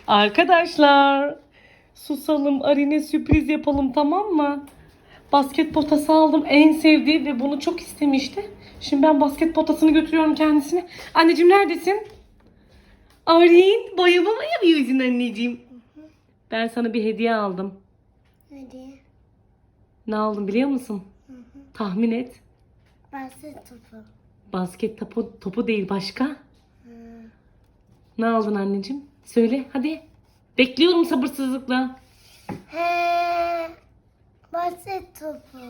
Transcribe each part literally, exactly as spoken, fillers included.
Arkadaşlar, susalım, Arin'e sürpriz yapalım, tamam mı? Basket potası aldım, en sevdiği ve bunu çok istemişti. Şimdi ben basket potasını götürüyorum kendisine. Anneciğim neredesin? Arin, boyama mı yapıyorsun anneciğim? Ben sana bir hediye aldım. Hadi. Ne aldım biliyor musun? Hı hı. Tahmin et. Basket topu. Basket topu, topu değil, başka. Hı. Ne aldın anneciğim? Söyle hadi. Bekliyorum sabırsızlıkla. He. Basket topu.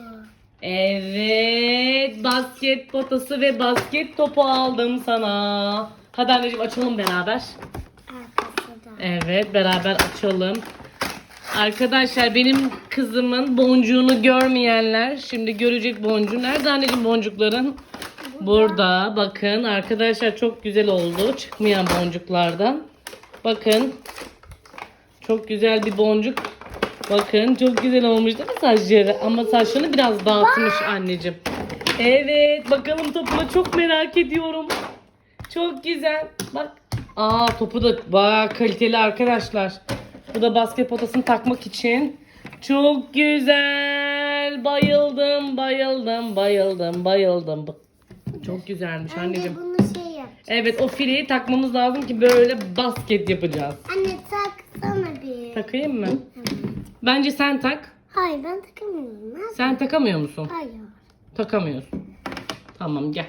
Evet, basket potası ve basket topu aldım sana. Hadi anneciğim açalım beraber. Arkası da. Evet, beraber açalım. Arkadaşlar, benim kızımın boncuğunu görmeyenler şimdi görecek boncuğu. Nerede anneciğim boncukların? Burada. Bakın arkadaşlar, çok güzel oldu. Çıkmayan boncuklardan. Bakın. Çok güzel bir boncuk. Bakın çok güzel olmuş değil mi saçları? Ama saçlarını biraz dağıtmış anneciğim. Evet, bakalım topuna, çok merak ediyorum. Çok güzel. Bak. Aa, topu da bayağı kaliteli arkadaşlar. Bu da basket potasını takmak için. Çok güzel. Bayıldım, bayıldım, bayıldım, bayıldım. Çok güzelmiş Anne anneciğim. bunu şey yap. Evet, o fileyi takmamız lazım ki böyle basket yapacağız. Anne taksana bir. Takayım mı? Evet. Bence sen tak. Hayır ben takamıyorum. Ben... Sen takamıyor musun? Hayır. Takamıyorsun. Tamam, gel.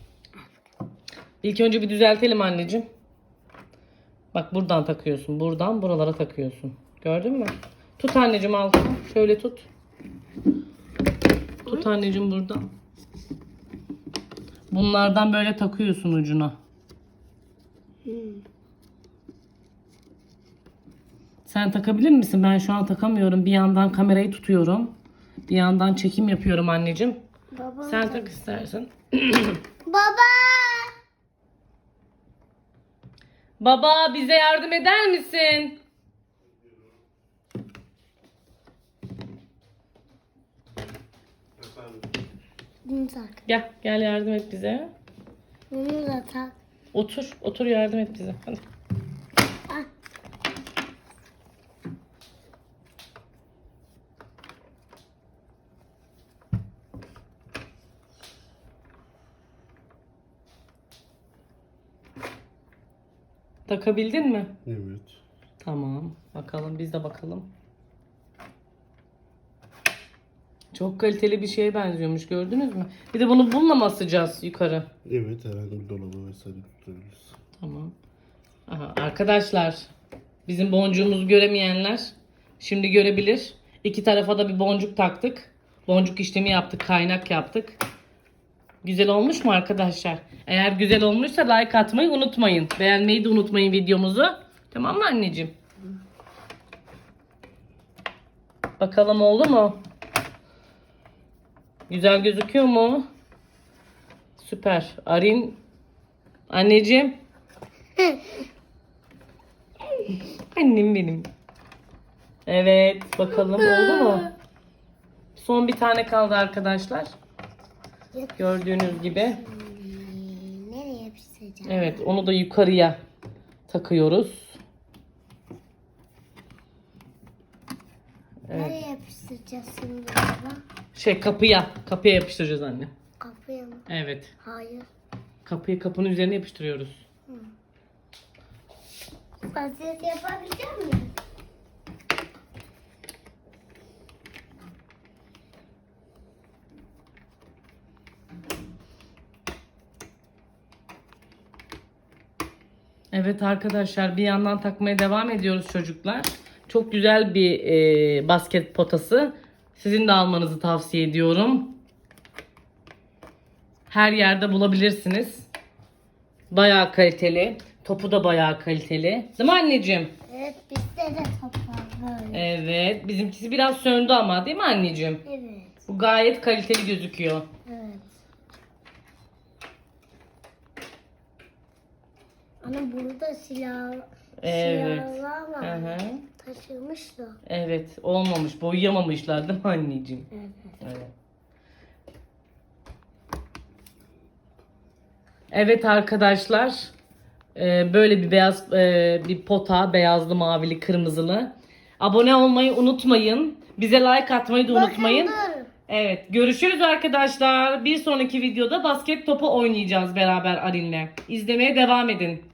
İlk önce bir düzeltelim anneciğim. Bak, buradan takıyorsun. Buradan buralara takıyorsun. Gördün mü? Tut anneciğim altını. Şöyle tut. Tut anneciğim buradan. Bunlardan böyle takıyorsun ucuna. Hmm. Sen takabilir misin? Ben şu an takamıyorum. Bir yandan kamerayı tutuyorum. Bir yandan çekim yapıyorum anneciğim. Baba. Sen tak istersen. Baba. Baba, bize yardım eder misin? Bunu tak. Gel, gel yardım et bize. Bunu da tak. Otur, otur yardım et bize. Hadi. Ah. Takabildin mi? Evet. Tamam. Bakalım, biz de bakalım. Çok kaliteli bir şeye benziyormuş, gördünüz mü? Bir de bunu bununla mı asacağız yukarı? Evet, herhangi bir dolaba vesaire tutabiliriz. Tamam. Aha, arkadaşlar, bizim boncuğumuzu göremeyenler şimdi görebilir. İki tarafa da bir boncuk taktık. Boncuk işlemi yaptık, kaynak yaptık. Güzel olmuş mu arkadaşlar? Eğer güzel olmuşsa like atmayı unutmayın. Beğenmeyi de unutmayın videomuzu. Tamam mı anneciğim? Bakalım oldu mu? Güzel gözüküyor mu? Süper. Arin, anneciğim. Annem benim. Evet, bakalım oldu mu? Son bir tane kaldı arkadaşlar. Gördüğünüz gibi. Hmm, nereye yapıştıracağım? Evet, onu da yukarıya takıyoruz. Nereye yapıştıracağız şimdi baba? Şey, kapıya. Kapıya yapıştıracağız anne. Kapıya mı? Evet. Hayır. Kapıyı kapının üzerine yapıştırıyoruz. Basket yapabilecek miyim? Evet arkadaşlar, bir yandan takmaya devam ediyoruz çocuklar. Çok güzel bir e, basket potası. Sizin de almanızı tavsiye ediyorum. Her yerde bulabilirsiniz. Bayağı kaliteli. Topu da bayağı kaliteli. Değil mi anneciğim? Evet bizde de top var böyle. Evet. Bizimkisi biraz söndü ama, değil mi anneciğim? Evet. Bu gayet kaliteli gözüküyor. Evet. Ana burada silah, Evet. silahlar Hı var. hı. Taşırmış da. Evet. Olmamış. Boyayamamışlar değil mi anneciğim? Evet. Evet. Evet arkadaşlar. Ee, böyle bir beyaz e, bir pota, beyazlı, mavili, kırmızılı. Abone olmayı unutmayın. Bize like atmayı da unutmayın. Bakın dur. Evet, görüşürüz arkadaşlar. Bir sonraki videoda basket topu oynayacağız beraber Arin'le. İzlemeye devam edin.